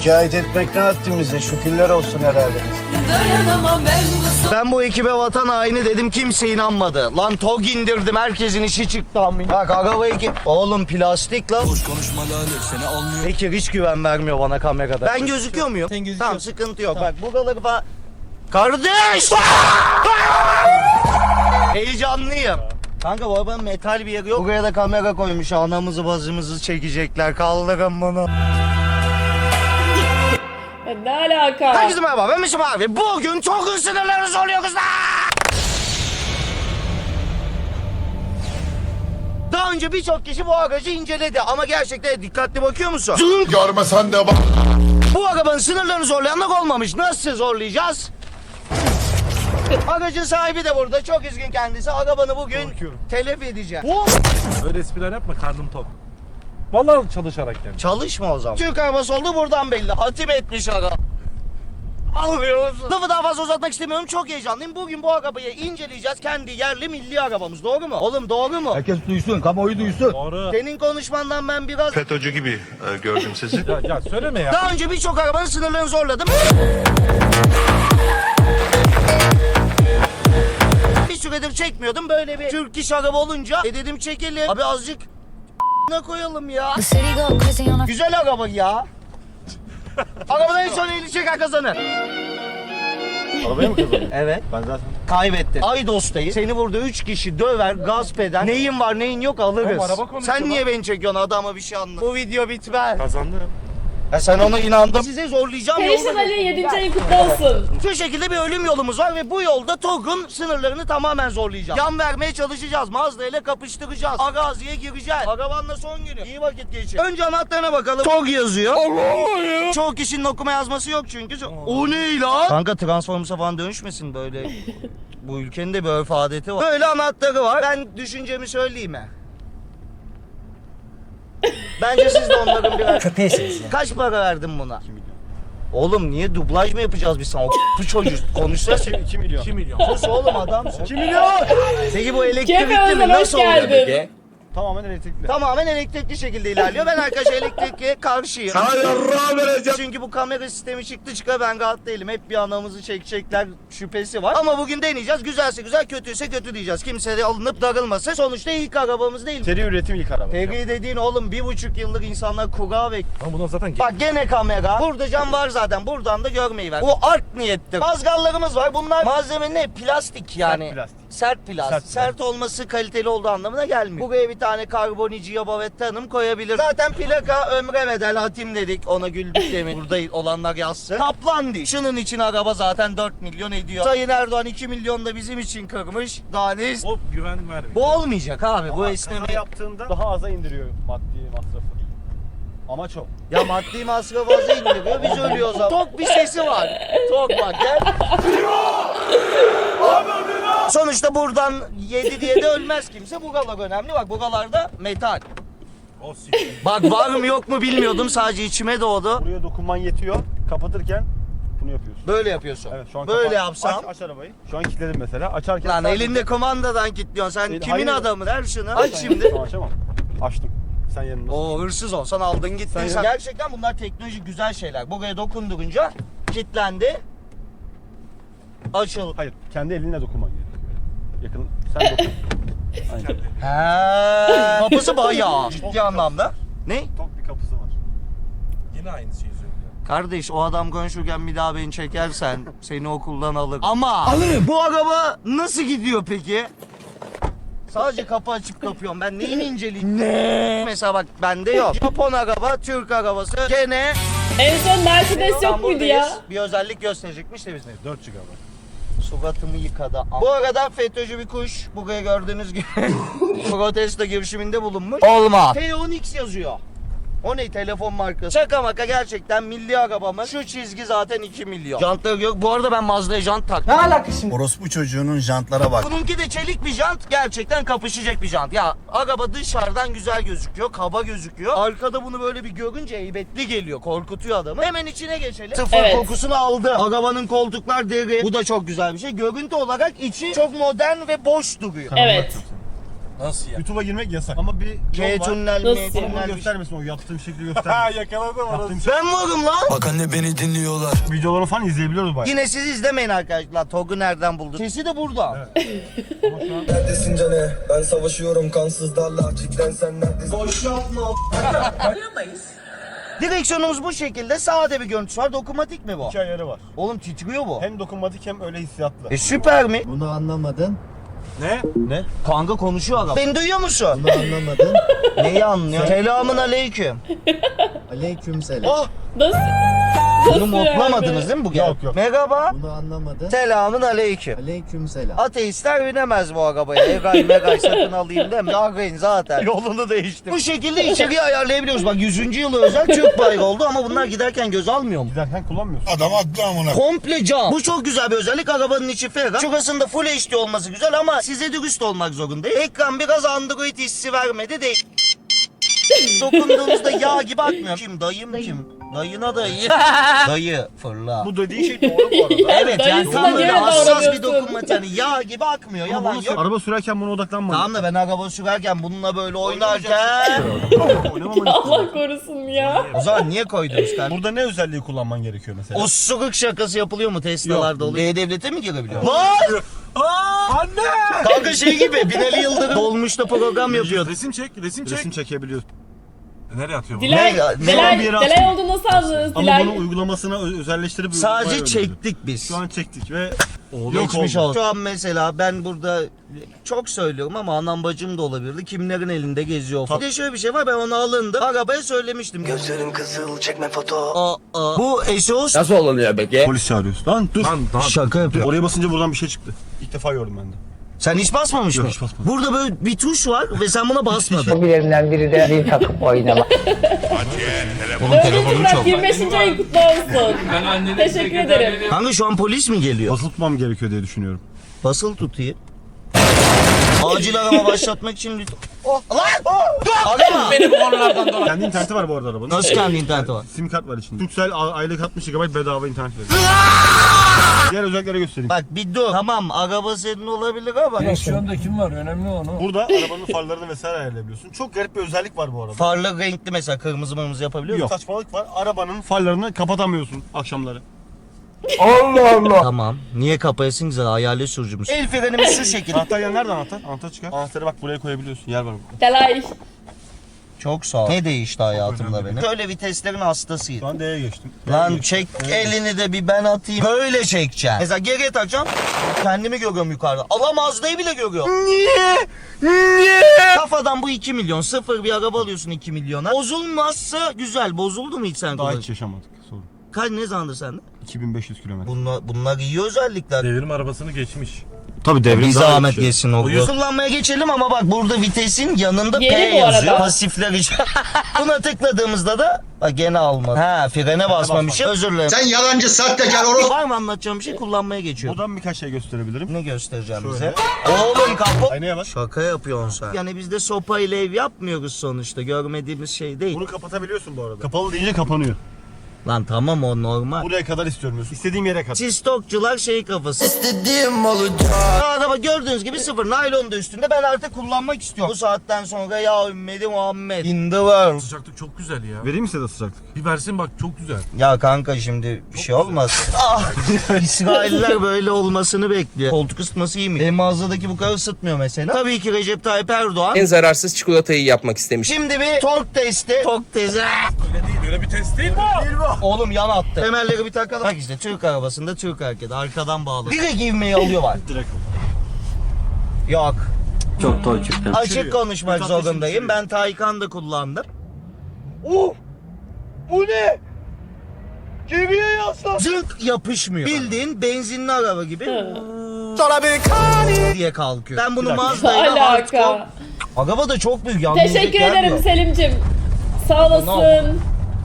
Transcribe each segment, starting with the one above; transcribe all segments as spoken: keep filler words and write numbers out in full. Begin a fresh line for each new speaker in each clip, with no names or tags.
Şikayet etmek ne haddimize, şükürler olsun herhalde. Ben bu ekibe vatan haini dedim, kimse inanmadı. Lan TOG indirdim, herkesin işi çıktı amin. Bak arabayı ki... Oğlum plastik lan.
Boş konuşma lan, seni almıyor.
Bekir hiç güven vermiyor bana kamerada. Ben gözüküyor muyum?
Sen gözüküyorsun.
Tamam, sıkıntı yok. Bak buraları falan... Kardeş! Heyecanlıyım. Kanka bu arabanın metal bir yeri yok. Buraya da kamera koymuş. Anamızı bazımızı çekecekler. Kaldırın bunu.
Ya ne alaka?
Herkese merhaba, ben Mişim abi. Bugün çok sınırları zorluyoruz lan. Daha önce birçok kişi bu aracı inceledi ama gerçekten dikkatli bakıyor musun?
Görmesen de bak.
Bu arabanın sınırlarını zorlayanlar olmamış. Nasıl zorlayacağız? Aracın sahibi de burada. Çok üzgün kendisi. Arabanı bugün
Korkuyorum.
telef edeceğim.
Öyle espriler yapma, karnım tok. Vallahi çalışarak yani.
Çalışma o zaman. Türk arabası oldu buradan belli. Hatim etmiş ara. Alıyorsun. Lafı daha fazla uzatmak istemiyorum. Çok heyecanlıyım. Bugün bu arabayı inceleyeceğiz. Kendi yerli milli arabamız. Doğru mu? Oğlum doğru mu?
Herkes duysun, kamuoyu duysun.
Doğru.
Senin konuşmandan ben biraz...
FETÖ'cü gibi e, gördüm sizi.
Ya, ya söyleme ya.
Daha önce birçok arabanın sınırlarını zorladım. Bir süredir çekmiyordum. Böyle bir Türk iş araba olunca e dedim çekelim. Abi azıcık ne koyalım ya. Güzel araba ya. Arabadan en son elini çeken kazanır.
Arabaya mı kazandın?
Evet.
Ben zaten...
Kaybettin. Aydos'tayız. Seni burada üç kişi döver, gasp eder. Neyin var neyin yok alırız.
Oğlum, araba konuşuyor
Sen
lan.
niye beni çekiyorsun, adama bir şey anlat. Bu video bitmez.
Kazandım.
Ya sen ona inandın. Size zorlayacağım
Perişan
yolda.
Ali yedinci ayın kutlu olsun.
Şu şekilde bir ölüm yolumuz var ve bu yolda TOG'un sınırlarını tamamen zorlayacağız. Yan vermeye çalışacağız. Mazda ile kapıştıracağız. Araziye gireceğiz. Arabanla son günü. İyi vakit geçir. Önce anahtarına bakalım. TOG yazıyor. Allah ya. Çoğu kişinin okuma yazması yok çünkü. O ne lan? Kanka Transformers'a falan dönüşmesin böyle. Bu ülkenin de bir örf adeti var. Böyle anahtarı var. Ben düşüncemi söyleyeyim mi? Bence siz de onların birer...
Köpeğisiniz ya.
Kaç para verdin buna? iki milyon. Oğlum niye dublaj mı yapacağız biz sana? Bu çocuğu konuşsa
iki milyon. iki milyon.
sus oğlum adamsın.
iki milyon!
Peki bu
Kefe
elektrikli mi?
Özel, hoş
Nasıl oluyor
geldin.
peki?
Tamamen elektrikli.
Tamamen elektrikli şekilde ilerliyor. Ben arkadaşlar elektrikliye karşıyım. Çünkü bu kamera sistemi çıktı çıka ben rahat değilim. Hep bir anamızı çekecekler şüphesi var. Ama bugün deneyeceğiz. Güzelse güzel, kötüyse kötü diyeceğiz. Kimse de alınıp darılmasın. Sonuçta ilk arabamız değil.
Seri üretim ilk araba.
Peki dediğin oğlum bir buçuk yıllık insanlar kura ve...
Ama bundan zaten...
Bak gene kamera. Burada cam var zaten. Buradan da görmeyi ver. Bu art niyettir. Mazgallarımız var. Bunlar malzeme ne? Plastik yani.
Sert plastik.
Sert plastik.
Sert
Sert,
plastik.
olması kaliteli olduğu anlamına gelmiyor. Buraya bir tane karbonici Yabavette Hanım koyabilir. Zaten plaka ömre bedel hatim dedik. Ona güldük demin. Burada olanlar yazsın. Kaplan değil. Şunun için araba zaten dört milyon ediyor. Sayın Erdoğan iki milyon da bizim için kırmış. Daha ne ist-
O güven vermiyor.
Bu olmayacak abi. Bu esneme.
Kaza yaptığında daha aza indiriyor maddi masrafı. Amaç o.
Ya maddi masraf az indiriyor. Biz ölüyoruz ama. Tok bir sesi var. Tok bak gel. Sonuçta buradan yedi diye de ölmez kimse. Bugalar önemli. Bak bugalarda metal.
O siktir.
Bak var mı yok mu bilmiyordum. Sadece içime doğdu.
Buraya dokunman yetiyor. Kapatırken bunu yapıyorsun.
Böyle yapıyorsun.
Evet şu an
Böyle
kapat-
yapsam.
Aç, aç arabayı. Şu an kilitledim mesela. Açarken...
Lan
sadece-
elinde kumandadan kilitliyorsun. Sen
El-
kimin
hayır.
adamı der şunu.
Sen-
Aç şimdi.
Şu an açamam. Açtım. Sen yanımda.
Oo hırsız olsan aldın gittin
Sen-
sen. Gerçekten bunlar teknolojik güzel şeyler. Buraya dokundurunca kilitlendi. Açıl.
Hayır. Kendi elinle dokunman gerekiyor. Yakın. Sen dokun. Aynen.
He. Kapısı bayağı. Ciddi anlamda. Ne?
Tok bir kapısı var. Yine aynı şeyi söylüyor.
Kardeş o adam konuşurken bir daha beni çekersen seni okuldan alır. Ama alırım. Bu araba nasıl gidiyor peki? Sadece kapı açıp kapıyorum. Ben neyini inceleyeyim? Ne? Mesela bak bende yok. Japon araba, Türk arabası. Gene
En son Mercedes yok muydu ya?
buradayız. Bir özellik gösterecekmiş de biz ne?
dört gigabayt.
Suratımı yıkadı. Bu arada FETÖ'cü bir kuş. Buraya gördüğünüz gibi protesto girişiminde bulunmuş. Olma. T on X yazıyor. O ne telefon markası? Şaka maka gerçekten milli arabamız. Şu çizgi zaten iki milyon. Jantları yok. Bu arada ben Mazda'ya jant taktım.
Orospu çocuğunun jantlara bak.
Bununki de çelik bir jant. Gerçekten kapışacak bir jant. Ya araba dışarıdan güzel gözüküyor. Kaba gözüküyor. Arkada bunu böyle bir görünce heybetli geliyor. Korkutuyor adamı. Hemen içine geçelim. Sıfır
Evet.
kokusunu aldı. Arabanın koltuklar deri. Bu da çok güzel bir şey. Görüntü olarak içi çok modern ve boş duruyor.
Evet.
Nasıl ya?
YouTube'a girmek yasak. Ama bir
K
yol var.
tünel
Nasıl
mi?
ya?
Ama
Tünel mi?
göstermesin, o yaptığım şekli göstermesin. Yakaladım orası.
Ben varım lan.
Bak anne beni dinliyorlar.
Videolarını falan izleyebiliyoruz bayağı.
Yine siz izlemeyin arkadaşlar. Tog'u nereden buldun? Sesi de burada.
Neredesin cane? Ben savaşıyorum kansızlarla. Cidden sen neredesin?
Boş yapma. Direksiyonumuz bu şekilde. Sağda bir görüntüsü var. Dokunmatik mi bu?
İki ayarı var.
Oğlum titriyor bu.
Hem dokunmatik hem öyle hissiyatlı.
E süper mi?
Bunu anlamadın.
Ne? Ne?
Kanka konuşuyor adam. Beni duyuyor musun?
Bunu anlamadın.
Neyi anlıyor? Selamun aleyküm.
Aleykümselam.
Oh!
Nasıl?
Bunu
Nasıl
modlamadınız
yani?
değil mi bu?
Yok, yok.
Merhaba.
Bunu anlamadın.
Selamun aleyküm.
Aleykümselam.
Ateistler binemez bu arabaya. Egay megay sakın alayım deme. Yargayın zaten. Yolunu değiştir. Bu şekilde içeriği ayarlayabiliyoruz. Bak yüzüncü yılı özel Türk bayrağı oldu ama bunlar giderken göz almıyor mu?
Giderken kullanmıyorsun.
Adam haklı amına.
Komple cam. Bu çok güzel bir özellik. Arabanın içi ferah. Şurasında Full H D olması güzel ama size dürüst olmak zorundayım. Ekran biraz Android hissi vermedi değil. Dokunduğunuzda yağ gibi akmıyor. Kim? Dayım kim? Dayına dayı. Dayı fırla.
Bu dediğin şey doğru bu arada.
Evet yani
Dayısına
tam böyle
göre
hassas bir
davranıyorsun.
dokunmatik. Yani yağ gibi akmıyor.
Ama
Yalan
bunu
yok.
araba sürerken buna odaklanma.
Tamam da ben araba sürerken bununla böyle oynarken...
Oynamaman
Allah korusun ya.
O zaman niye koydunuz kanka?
Burada ne özelliği kullanman gerekiyor mesela?
Osuruk şakası yapılıyor mu Tesla'larda oluyor? E-Devlet'e mi girebiliyor? Lan!
Anne!
Kanka şey gibi Binali Yıldırım dolmuşta program yapıyordu.
Resim çek, resim çek.
Resim çekebiliyorsun.
Nereye atıyor bu?
Dilay,
Ne ya? Ne
Dilay,
bir yere
Dilay
atın.
olduğunu nasıl anladınız
Ama
Dilay?
bunu uygulamasına ö- özelleştirip
Sadece
uygulamaya
çektik biz.
Şu an çektik ve
Geçmiş
oldu.
olsun. Şu an mesela ben burada çok söylüyorum ama anam bacım da olabilirdi. Kimlerin elinde geziyor falan. Bir de şöyle bir şey var, ben onu alındı. Arabaya söylemiştim.
Gözlerin kızıl çekme foto.
Aa, aa. Bu eşos.
Nasıl olunuyor peki?
Polis çağırıyorsun. Lan dur.
Şaka yapıyor.
Oraya basınca buradan bir şey çıktı. İlk defa gördüm ben de.
Sen hiç basmamış
Yok,
mı?
hiç basmadım.
Burada böyle bir tuş var ve sen buna basmadın.
Hobilerinden biri de zil takıp oynama.
Oğlum
Dördüncü
telefonum
Burak
çok.
yirmi beşinci ayın kutlu olsun. Teşekkür ederim.
Kanka şu an polis mi geliyor?
Basılı tutmam gerekiyor diye düşünüyorum.
Basılı tutayım. Acil arama başlatmak için lütfen. Oh lan! Oh! Arama!
Kendi interneti var bu arada arabanın.
Nasıl kendi interneti var?
Sim kart var içinde. Turkcell a- aylık altmış gigabayt bedava internet veriyor. Diğer özelliklere göstereyim.
Bak bir dur. Tamam araba senin olabilir ama.
Direksiyonda kim var? Önemli onu.
Burada arabanın farlarını vesaire ayarlayabiliyorsun. Çok garip bir özellik var bu arada.
Farlar renkli mesela kırmızı mırmızı yapabiliyor
Yok.
musun?
Saçmalık var. Arabanın farlarını kapatamıyorsun akşamları.
Tamam. Niye kapayasın güzel hayali sürücümüz. El frenimiz şu şekilde.
Anahtar ya nerede anahtar? Anahtar çıkar. Anahtarı bak buraya koyabiliyorsun. Yer var burada.
Dilay.
Çok sağ ol. Ne değişti hayatımda benim? Şöyle viteslerin hastasıyım.
Şu an D'ye geçtim.
Lan çek elini de bir ben atayım. Böyle çekeceksin. Mesela geriye takacağım. Kendimi görüyorum yukarıda. Alamazdığı bile görüyorum. Niye? Niye? Kafadan bu iki milyon. Sıfır bir araba alıyorsun iki milyona. Bozulmazsa güzel. Bozuldu mu hiç sen
Daha
kullan?
hiç yaşamadık. Sorun.
Kaç ne zamandır sende?
iki bin beş yüz kilometre.
Bunlar, bunlar iyi özellikler.
Devrim arabasını geçmiş.
Tabii devrim
Bir
daha
zahmet
iyi bir şey.
geçsin o. Kullanmaya geçelim ama bak burada vitesin yanında P
Yeni bu
yazıyor.
arada.
Pasifler için. Buna tıkladığımızda da bak gene almadı. Ha frene basmamışım. Özür dilerim.
Sen yalancı sahtekar orospu.
Var mı anlatacağım bir şey, kullanmaya geçiyorum.
Buradan birkaç şey gösterebilirim.
Ne göstereceğim
Şöyle.
bize? Oğlum kapı.
Aynaya bak.
Şaka yapıyorsun sen. Yani biz de sopa ile ev yapmıyoruz sonuçta. Görmediğimiz şey değil.
Bunu kapatabiliyorsun bu arada. Kapalı deyince kapanıyor.
Lan tamam o normal.
Buraya kadar istiyorum diyorsun. İstediğim yere kadar.
Siz stokçular şey kafası.
İstediğim olacak.
Araba gördüğünüz gibi sıfır. Naylon da üstünde. Ben artık kullanmak istiyorum. Bu saatten sonra ya ümmeti Muhammed. In the world.
Sıcaklık çok güzel ya.
Vereyim mi size de sıcaklık?
Bir versin bak çok güzel.
Ya kanka şimdi bir şey olmaz. Ah! İsrailler böyle olmasını bekliyor. Koltuk ısıtması iyi mi? Benim mağazadaki bu kadar ısıtmıyor mesela. Tabii ki Recep Tayyip Erdoğan.
En zararsız çikolatayı yapmak istemiş.
Şimdi bir tork testi. Tork testi.
Öyle değil, öyle bir test değil bu.
Oğlum yan attı. Temelleri bir takalım. Bak işte Türk arabasında Türk hareketi. Arkadan bağlı. Direkt ivmeyi alıyorlar.
Direkt ol.
Yok.
Çok toy çıktı.
Açık
Düşürüyor.
konuşmak
Vitesini
zorundayım.
düşürüyor.
Ben Taycan da kullandım. Oh! Bu ne? Geriye yaslan. Zınk yapışmıyor. Bildiğin benzinli araba gibi diye kalkıyor. Ben bunu
Bir dakika.
Mazda'yla hardcore.
Alaka.
Araba da çok büyük. yalnızlık
Teşekkür
gelmiyor.
ederim Selim'cim. Sağ olasın.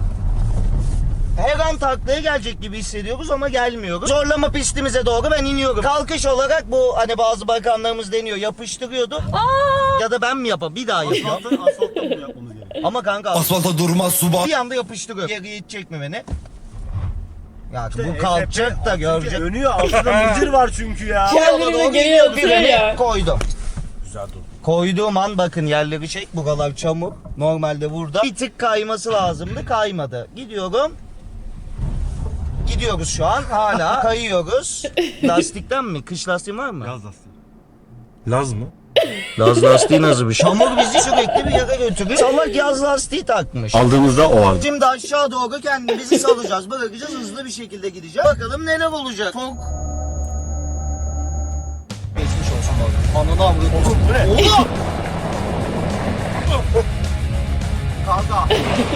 Her an taklaya gelecek gibi hissediyoruz ama gelmiyoruz. Zorlama pistimize doğru ben iniyorum. Kalkış olarak bu hani bazı bakanlarımız deniyor yapıştırıyordu. Ya da ben mi yapayım? Bir daha yapayım.
Asfalta, asfaltta bunu yapmamız gerekiyor.
Ama kanka
Asfalta durmaz suba.
bir anda yapıştırıyor. Geriye itecek mi beni? Ya
İşte
bu kalkacak da
çünkü
görecek.
Dönüyor. Altında mıcır var çünkü ya.
Kendini de geriye atıyor ya.
Koydum.
Güzel dur.
Koyduğum an bakın yerleri çek. Buralar çamur. Normalde burada bir tık kayması lazımdı. Kaymadı. Gidiyorum. Gidiyoruz şu an. Hala kayıyoruz. Lastikten mi? Kış lastiği var mı?
Yaz lastiği. Laz mı?
Yaz lastiği nasıl bir şey? Çamur bizi sürekli bir yere götürüyor. Salak yaz lastiği takmış.
Aldığımızda o an.
Şimdi aşağı doğru kendimizi salacağız. Bırakacağız, hızlı bir şekilde gideceğiz. Bakalım neler olacak. Çok... Geçmiş olsun bak. Ananı avradım. Oğlum! Kanka.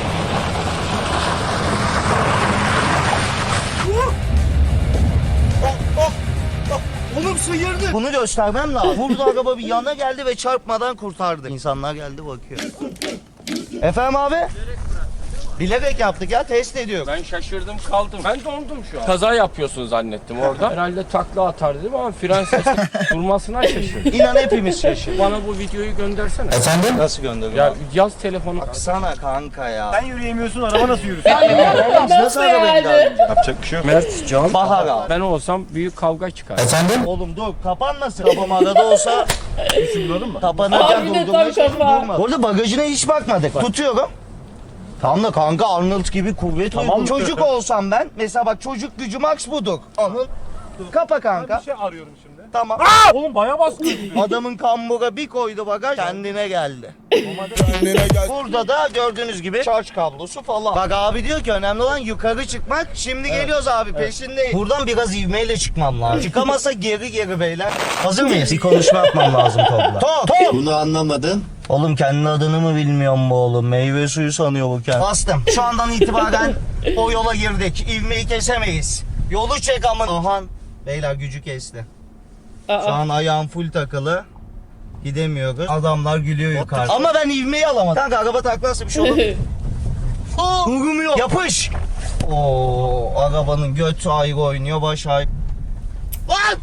Oh, oh, oh. Oğlum sıyırdı. Bunu göstermem lazım. Burada araba bir yana geldi ve çarpmadan kurtardı. İnsanlar geldi bakıyor. Efendim abi? Bilerek yaptık ya, test ediyor.
Ben şaşırdım kaldım. Ben dondum şu an. Kaza yapıyorsun zannettim orada. Herhalde takla atar dedim ama fren sesi durmasına şaşırdım.
İnan hepimiz şaşırdık.
Bana bu videoyu göndersene.
Efendim? Nasıl gönderiyor?
Ya yaz telefonu.
Baksana kanka ya.
Sen yürüyemiyorsun, araba nasıl yürüsün?
Oğlum nasıl
Nasıl
araba
yani?
gider?
Yapacak bir şey yok.
Mert, Can.
Bahar abi.
Ben olsam büyük kavga çıkar.
Oğlum dur, kapanmasın. Kafam arada olsa
Düşünüyordun mu?
kapanırken
Abi de
durdurma
tam
şekli
kafa.
durma. Orada bagajına hiç bakmadık. Tutuyorum. Tam da kanka Arnold gibi kuvvet
Tamam.
uydum. Çocuk olsam ben, mesela bak çocuk gücü max budur. Anıl. Kapa kanka.
Bir şey arıyorum şimdi.
Tamam.
Oğlum bayağı baskın.
Adamın kambura bir koydu bagaj, kendine geldi. Burada da gördüğünüz gibi şarj kablosu falan. Bak abi diyor ki önemli olan yukarı çıkmak. Şimdi geliyoruz abi, peşindeyiz. Buradan biraz ivmeyle çıkmam lazım. Çıkamasa geri geri beyler. Hazır mıyız? Bir konuşma yapmam lazım Top'la. Top! Top!
Bunu anlamadın.
Oğlum kendi adını mı bilmiyorum bu oğlum? Meyve suyu sanıyor bu kendi. Bastım. Şu andan itibaren o yola girdik. İvmeyi kesemeyiz. Yolu çek aman. Ahan. Beyler gücü kesti. Şu
Aa.
an ayağım full takılı. Gidemiyoruz. Adamlar gülüyor yukarıda. Ama ben ivmeyi alamadım. Kanka araba taklarsa bir şey olur. Aa, durmuyor. Yapış. Oo, arabanın götü ayrı oynuyor, baş ayrı. Lan!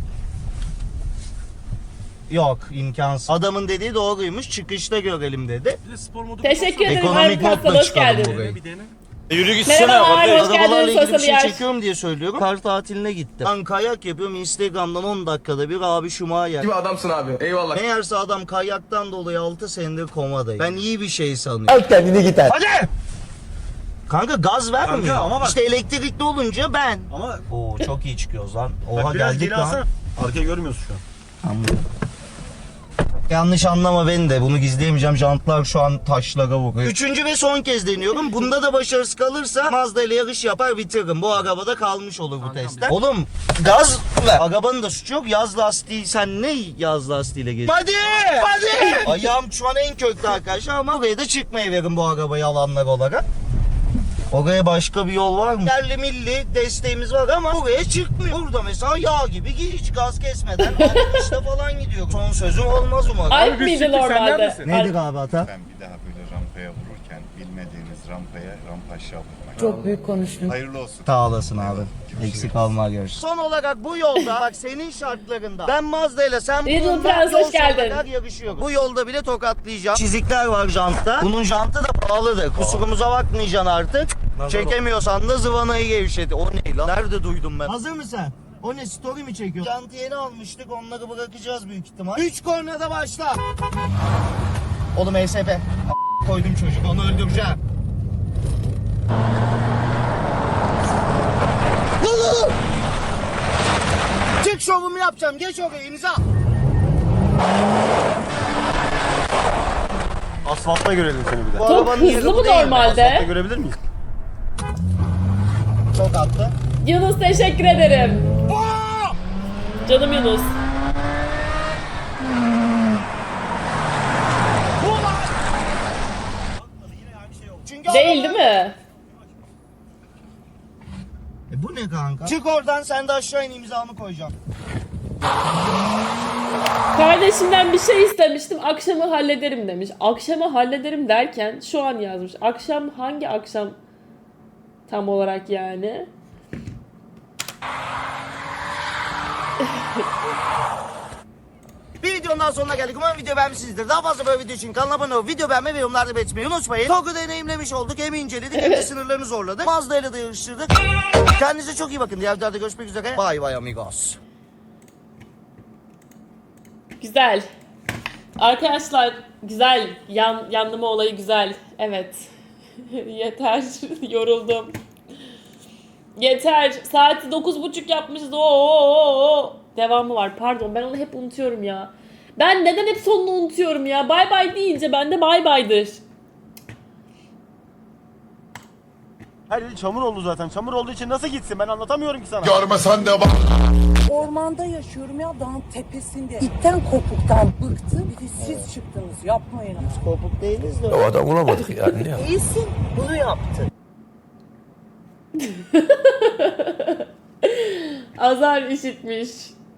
Yok, imkansız. Adamın dediği doğruymuş. Çıkışta görelim dedi.
Bir de spor modu.
Teşekkür ederim.
Ekonomik
Harbi
modla
hoş
çıkalım
geldin.
burayı.
Bir dene.
Yürü gitsene.
Merhabalar, hoş
Arabalarla
geldiniz
ilgili bir
sosyal
şey
yer.
çekiyorum diye söylüyorum. Kar tatiline gittim. Ben kayak yapıyorum. Instagram'dan on dakikada bir abi Şumayer.
Gibi adamsın abi. Eyvallah.
Meğerse adam kayaktan dolayı altı senedir komadayım. Ben iyi bir şey sanıyorum.
Al kendini git hadi.
Hadi! Kanka gaz vermiyor.
Kanka ama bak-
İşte elektrikli olunca ben.
Ama
Oo çok iyi çıkıyoruz lan. Oha
bak biraz
geldik
geri
lan.
alsana. Arkayı görmüyorsun şu an.
Anladım. Yanlış anlama beni de. Bunu gizleyemeyeceğim. Jantlar şu an taşlara vuruyor. Üçüncü ve son kez deniyorum. Bunda da başarısız kalırsa Mazda ile yarış yapar bitiririm. Bu arabada kalmış olur bu testten. Oğlum gaz ver. Arabanın da suçu yok. Yaz lastiği. Sen ne yaz lastiğiyle geziyorsun? Hadi! Hadi! Ayağım şu an en köklü arkadaşlar ama buraya da çıkmayı verin bu arabayı alanlar olarak. Oraya başka bir yol var mı? Yerli milli desteğimiz var ama buraya çıkmıyor. Burada mesela yağ gibi hiç gaz kesmeden altmışta falan gidiyor. Son sözüm olmaz umarım.
Alp miydi normalde?
Nedir abi hata?
Ben bir daha böyle rampaya vururken bilmediğiniz rampaya rampa aşağı vurmak.
Çok büyük konuştun.
Hayırlı olsun.
Sağ olasın abi. Eksik olma görüşürüz. Son olarak bu yolda bak senin şartlarında ben Mazda ile sen
Little
bununla
Prens,
yol
hoş geldin.
sonuna kadar yarışıyoruz. Bu yolda bile tokatlayacağım. Çizikler var jantta. Bunun jantı da pahalıdır. Kusurumuza bakmayacaksın artık. Çekemiyorsan da zıvanayı gevşedi. O ne lan? Nerede duydum ben? Hazır mısın? O ne, story mi çekiyor? Jantı yeni almıştık, onları bırakacağız büyük ihtimal. Üç kornada başla. Oğlum E S P. A- koydum çocuk, onu öldüreceğim. Dur, dur. Çık, şovumu yapacağım. Geç oraya, imza.
Asfaltta görelim seni bir de.
Bu
Çok
arabanın yeri
hızlı
bu
bu
değil mi?
normalde.
Asfaltta görebilir miyiz?
Çok attı.
Yunus teşekkür ederim. Canım Yunus.
Çünkü
Değil değil mi?
E bu ne kanka? Çık oradan, sen de aşağı in, imzamı koyacağım.
Kardeşimden bir şey istemiştim. Akşamı hallederim demiş. Akşamı hallederim derken şu an yazmış. Akşam hangi akşam tam olarak yani?
Bir videonun daha sonuna geldik. Umarım video beğenmişsinizdir. Daha fazla böyle video için kanala abone olup video beğenmeyi ve yorumlarda belirtmeyi unutmayın. Togg'u deneyimlemiş olduk. Hem inceledik hem de sınırlarını zorladık. Mazda ile de yarıştırdık. Kendinize çok iyi bakın. Diğer videoda görüşmek üzere. Bye bye amigos.
Güzel. Arkadaşlar güzel. Yan, yanlama olayı güzel. Evet. Yeter. Yoruldum. Yeter. Saati dokuz buçuk yapmışız. Oo. Devamı var. Pardon ben onu hep unutuyorum ya. Ben neden hep sonunu unutuyorum ya? Bay bay deyince bende bay baydır.
Her yeri çamur oldu zaten. Çamur olduğu için nasıl gitsin ben anlatamıyorum ki sana.
Görmesen de bak.
Ormanda yaşıyorum ya, dağın tepesinde. İtten kopuktan bıktım. Bir de siz çıktınız, yapmayın.
Biz kopuk değiliz de.
O adam bulamadık yani.
İyisin, bunu yaptın.
Azar işitmiş.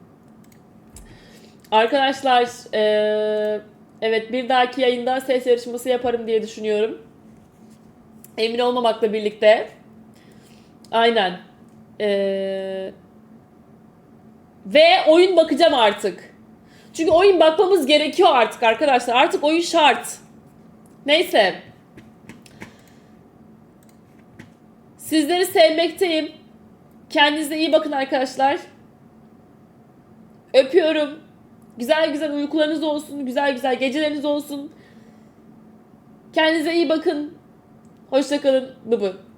Arkadaşlar eee, evet bir dahaki yayında ses yarışması yaparım diye düşünüyorum. Emin olmamakla birlikte. Aynen. Eee, ve oyun bakacağım artık. Çünkü oyun bakmamız gerekiyor artık arkadaşlar. Artık oyun şart. Neyse. Sizleri sevmekteyim. Kendinize iyi bakın arkadaşlar. Öpüyorum. Güzel güzel uykularınız olsun. Güzel güzel geceleriniz olsun. Kendinize iyi bakın. Hoşça kalın. Bıbı.